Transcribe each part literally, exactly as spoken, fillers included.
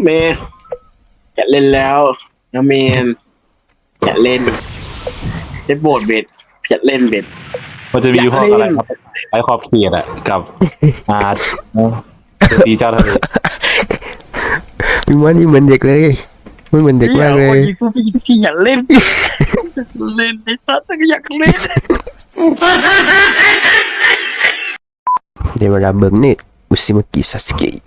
เมนจะเล่นแล้วนะเมนจะเล่นได้โบดเบ็ดจะเล่นเบ็ดมันจะมีพวกอะไรครับไอขอบเขียดอะกับอาตีเจ้าทะเลพี่มอนนี่เหมือนเด็กเลยมันเหมือนเด็กมากเลยพี่พี่พี่อยากเล่นเล่นไอ้สัตว์ก็อยากเล่นเดี๋ยวเวลาเบิร์นี่อุซิมากิซาสเกะ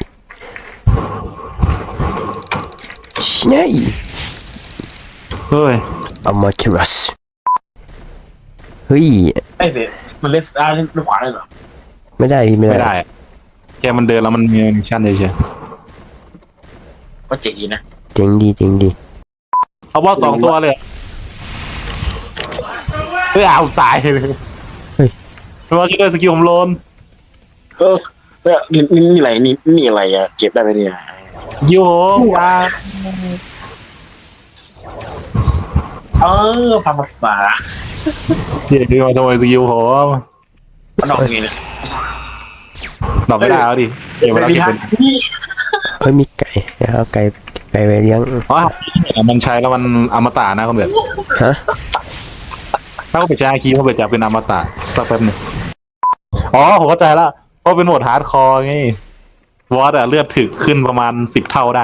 ชิไนเฮ้ยอามาเทรัสเฮ้ยไอ้เด็กมันเล่นซ้ายเล่นขวาได้เหรอไม่ได้ไม่ได้ไม่ได้แกมันเดินแล้วมันมีมิชชั่นเฉยก็เจ๋งดีนะเจ๋งดีเจ๋งดีเอาบอสสองตัวเลยเฮ้ยเอาตายเลยเฮ้ยไม่ว่าจะได้สกิลผมโลนเออเออนี่นี่อะไรนี่นี่อะไรอะเก็บได้ไหมเนี่ยโย่ว้าเออภาษาเดี๋ยวดูมาทำไมสกิลผมมันออกไงเนี่ยดอกไม่ได้แล้วดิเดี๋ยวเวลาเก็บเป็นเฮ้ยมีไก่นะครับไก่ไก่ไว้เลี้ยงอ๋อมันใช้แล้วมันอมตะนะคุณเบ็ดฮะถ้าเขาไปใช้คีย์เขาไปจับเป็นอมตะสักแป๊บนึงอ๋อผมเข้าใจแล้วเพราะเป็นโหมดฮาร์ดคอร์ไงวอตอะเลือดถึกขึ้นประมาณสิบเท่าได้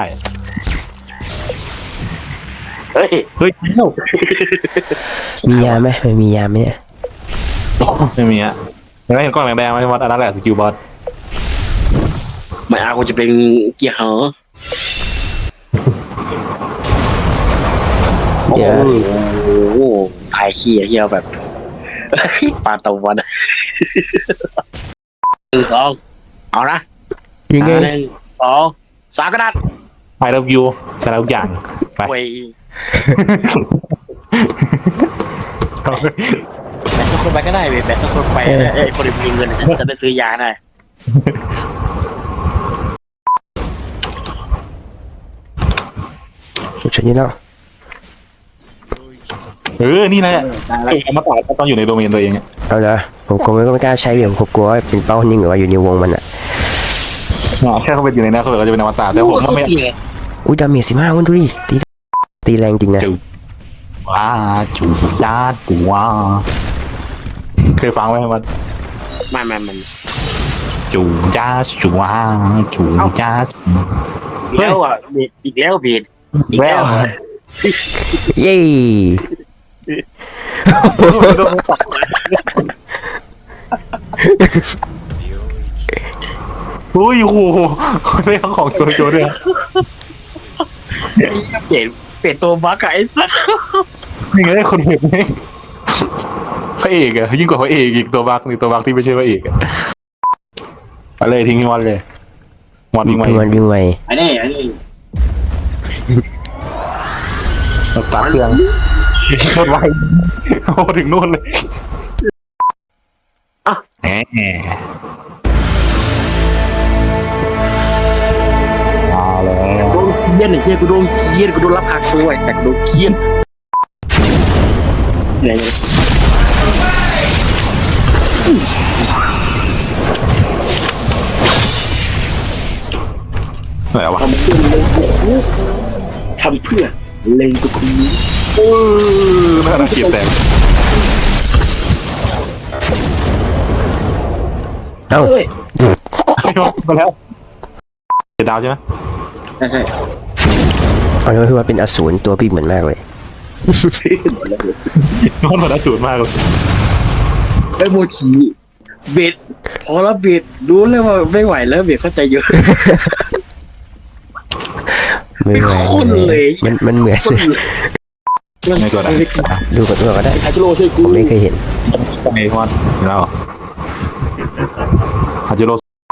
เฮ้ยเฮ้ยมียาไหมไม่มียาไหมเนี่ยไม่มีอะไม่เห็นก้อนแดงๆไหมวอตอันนั้นแหละสกิลบอสไม่เอากูจะเป็นเกียร์เหรอโอ้โหถ่ายขี้เหี้ยแบบปลาตะวันหนึ่งสองเอานะยังไงหนึ่งสองสามกระดาษไอเลิฟยูใช้แล้วทุกอย่างไปแบตสักคนไปก็ได้เว้ยแบตสักคนไปไอ้คนที่มีเงินจะได้ซื้อยาได้ฉันนี่แล้วเออนี่แหละเอามาต่อต้องอยู่ในโดเมนตัวเองเอาละผมคงไม่กล้าใช้เบี่ยมผมกลัวว่าเป็นเป้านิ่งหรือว่าอยู่ในวงมันอ่ะแค่เขาเป็นอยู่ในนั้นเขาก็จะเป็นอมตะแต่ผมไม่อุ้ยดาเมจสิบห้าวันดูดิตีตีแรงจริงนะว้าจูดาตัวเคยฟังไหมมันไม่ไม่มันจูจ้าจูว้าจูจ้าแล้วอ่ะอีกแล้วเบียดอีกแล้วเย้อุ้ยโอ้โหเรื่องของโจโจด้วยเปลี่ยนเปลี่ยนตัวบั๊กไอ้สัสนี่ไงคนเห็นไหมพระเอกอะยิ่งกว่าพระเอกอีกตัวบั๊กนี่ตัวบั๊กที่ไม่ใช่พระเอกอะอะไรทิ้งที่วันเลยวันวิ่งไววันวิ่งไวอันนี้อันนี้สตาร์ทเครื่องโคตรไวโอ้ถึงนู่นเลยอ่ะแหมมาแล้วโดนเกียนไอ้เหี้ยกูโดนเกียนกูโดนรับหักตัวไอ้สัตว์โดนเกียนไหนไหนวะทำเพื่อเล็งกูทำเพื่อเล็งกูคูเออน่าเกลียดแต่เอ้ามาแล้วเดดาวใช่ไหมใช่ใช่เอาเลยว่าเป็นอสูรตัวพี่เหมือนมากเลยน้องเหมือนอสูรมากเลยไอ้โมชีเบ็ดพอแล้วเบ็ดรู้เลยว่าไม่ไหวแล้วเบ็ดเข้าใจเยอะไม่ไหวเลยมันมันเหมือนไม่ตัวไหนดูก่อนดูก่อนก็ได้ฮาจิโร่ช่วยกูผมไม่เคยเห็นไอ้พอดแล้วฮาจิโร่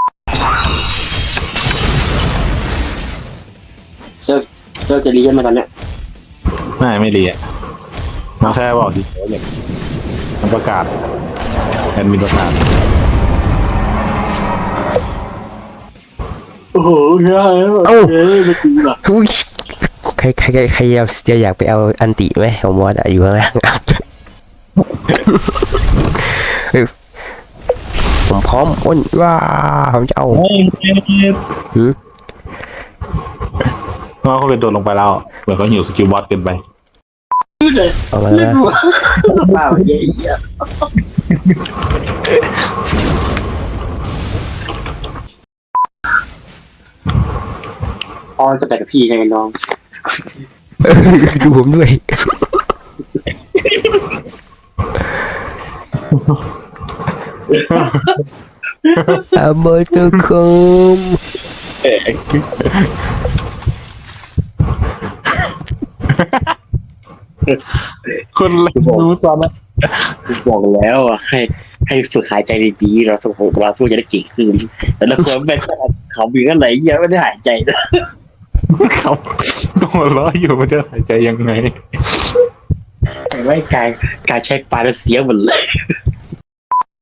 เซิร์ฟเซิร์ฟจะรีกันมาตอนเนี้ยไม่ไม่รีอ่ะมาแค่บอกดิมันประกาศแอดมินประกาศโอ้โหเฮ้ยเอ้าไม่กูหรอใครใครใครจะอยากไปเอาอันติไหมผมว่าอยู่ข้างล่างผมพร้อมอ้นว่าผมจะเอาเพราะเขาเป็นโดนลงไปแล้วเหมือนเขาหิวสกิลบอสเกินไปเอามาเล่นแล้วหัวเปล่าเหี้ยๆอ๋อจะแต่กับพี่ไงน้องดูผมด้วยอาบอตคอมคนเล่นรู้ซ้ำนะบอกแล้วอ่ะให้ให้ฝึกหายใจดีๆเราสู้เราสู้จะได้เก่งขึ้นแต่ละคนเป็นเขาบีกันไหนเยอะไม่ได้หายใจนะเขาหัวเราะอยู่มันจะหายใจยังไงไม่กายกายใช้ปลาแล้วเสียหมดเลย